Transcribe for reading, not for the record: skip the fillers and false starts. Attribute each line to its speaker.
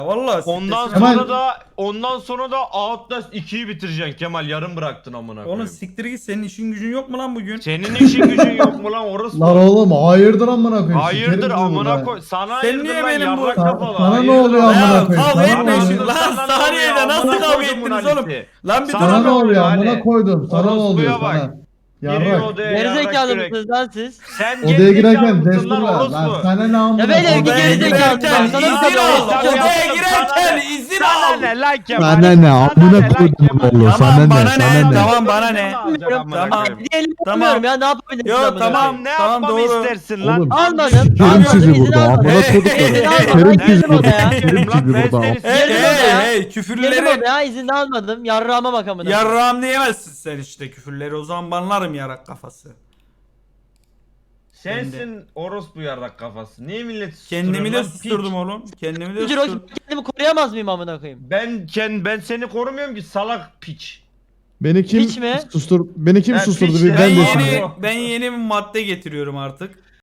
Speaker 1: Vallahi
Speaker 2: Ondan sonra da Outlast 2'yi bitireceksin Kemal, yarım bıraktın amına koyayım.
Speaker 1: Oğlum siktir git, senin işin gücün yok mu lan bugün?
Speaker 2: Senin işin gücün yok mu lan orası?
Speaker 3: Lan oğlum hayırdır amına koyayım.
Speaker 2: Hayırdır
Speaker 3: sikerim sizi
Speaker 2: amına
Speaker 3: burada.
Speaker 2: koy. Sana
Speaker 1: Sen
Speaker 2: hayırdır
Speaker 1: niye
Speaker 2: lan
Speaker 1: benim bu-
Speaker 2: yarrak kafalı.
Speaker 3: Sana ne
Speaker 2: Hayırdır
Speaker 3: oluyor
Speaker 2: lan?
Speaker 3: amına
Speaker 1: Ya
Speaker 3: koyayım?
Speaker 1: kavga
Speaker 3: Sana ne
Speaker 1: etmeyin
Speaker 3: oluyor?
Speaker 1: şimdi lan,
Speaker 2: Sana ne
Speaker 1: saniyede
Speaker 2: oluyor?
Speaker 1: nasıl
Speaker 2: Amına
Speaker 1: kavga
Speaker 2: koydum
Speaker 1: ettiniz
Speaker 2: bunu
Speaker 1: oğlum?
Speaker 2: Ali.
Speaker 1: Lan bir
Speaker 2: Sana
Speaker 3: Sana
Speaker 1: durun.
Speaker 3: ne oluyor
Speaker 2: Ali?
Speaker 3: amına koydum? Sana ne
Speaker 2: Orospuya
Speaker 3: oluyor
Speaker 2: bak.
Speaker 3: sana?
Speaker 2: Giriyor
Speaker 3: Yarrak.
Speaker 2: odaya yarrak
Speaker 4: Gerizekalı
Speaker 2: kürek.
Speaker 4: mısınız lan siz?
Speaker 2: Sen
Speaker 3: Odaya
Speaker 2: gerizekalı
Speaker 3: girerken
Speaker 2: mısın lan
Speaker 3: desturla. Lan
Speaker 2: orospu?
Speaker 3: sana ne amına
Speaker 4: Ya beyler,
Speaker 3: koyayım?
Speaker 4: bir
Speaker 1: Odaya
Speaker 4: gerizekalı
Speaker 1: girerken
Speaker 4: sana
Speaker 1: izin
Speaker 4: bir
Speaker 1: al.
Speaker 4: şey yok.
Speaker 1: Odaya
Speaker 2: Sana
Speaker 1: girerken
Speaker 2: ne?
Speaker 1: izin
Speaker 2: Sana
Speaker 1: al.
Speaker 2: ne lan Kemal?
Speaker 5: Sana ne amına koydum oğlum, sana
Speaker 1: Tamam
Speaker 5: ne,
Speaker 1: bana
Speaker 5: sana
Speaker 1: ne?
Speaker 5: ne?
Speaker 1: Tamam bana ne?
Speaker 2: Tamam.
Speaker 4: Diyelim
Speaker 1: Tamam.
Speaker 4: yapmıyorum ya, ne yapabilirsin?
Speaker 1: Yo,
Speaker 4: amına
Speaker 1: tamam.
Speaker 4: koyayım?
Speaker 2: Ne
Speaker 1: Tamam,
Speaker 2: yapmamı
Speaker 1: doğru.
Speaker 2: istersin lan?
Speaker 5: Oğlum,
Speaker 4: Almadım.
Speaker 5: sikerim
Speaker 4: Almadım,
Speaker 5: sizi
Speaker 4: izin
Speaker 5: burada,
Speaker 4: almadım.
Speaker 5: amına
Speaker 4: İzin
Speaker 5: koyduklarım.
Speaker 4: almadım,
Speaker 5: Sikerim
Speaker 4: girdim
Speaker 5: sizi burada,
Speaker 4: odaya.
Speaker 5: sikerim sizi burada.
Speaker 4: Girdim
Speaker 1: Hey
Speaker 4: odaya.
Speaker 1: hey
Speaker 4: Girdim
Speaker 1: küfürleri.
Speaker 4: odaya, izin de almadım. Yarrağıma bak amına.
Speaker 1: Yarrağım diyemezsin sen işte küfürleri, o zaman banlarım yarak kafası.
Speaker 2: Sensin orospu yarrak kafası. Niye millet
Speaker 1: Kendimi
Speaker 2: susturuyorsun
Speaker 1: de
Speaker 2: lan,
Speaker 1: susturdum
Speaker 2: piç?
Speaker 1: oğlum. Kendimi de
Speaker 4: Ciro,
Speaker 1: susturdum.
Speaker 4: kendimi koruyamaz mıyım amına koyayım?
Speaker 2: Ben seni korumuyorum ki salak piç.
Speaker 5: Beni kim
Speaker 4: Hiç mi?
Speaker 5: beni kim
Speaker 2: Ha,
Speaker 5: susturdu?
Speaker 2: piç
Speaker 5: Bir
Speaker 2: de.
Speaker 5: ben de
Speaker 2: Yeni-
Speaker 5: şimdi.
Speaker 1: Ben yeni bir madde getiriyorum artık.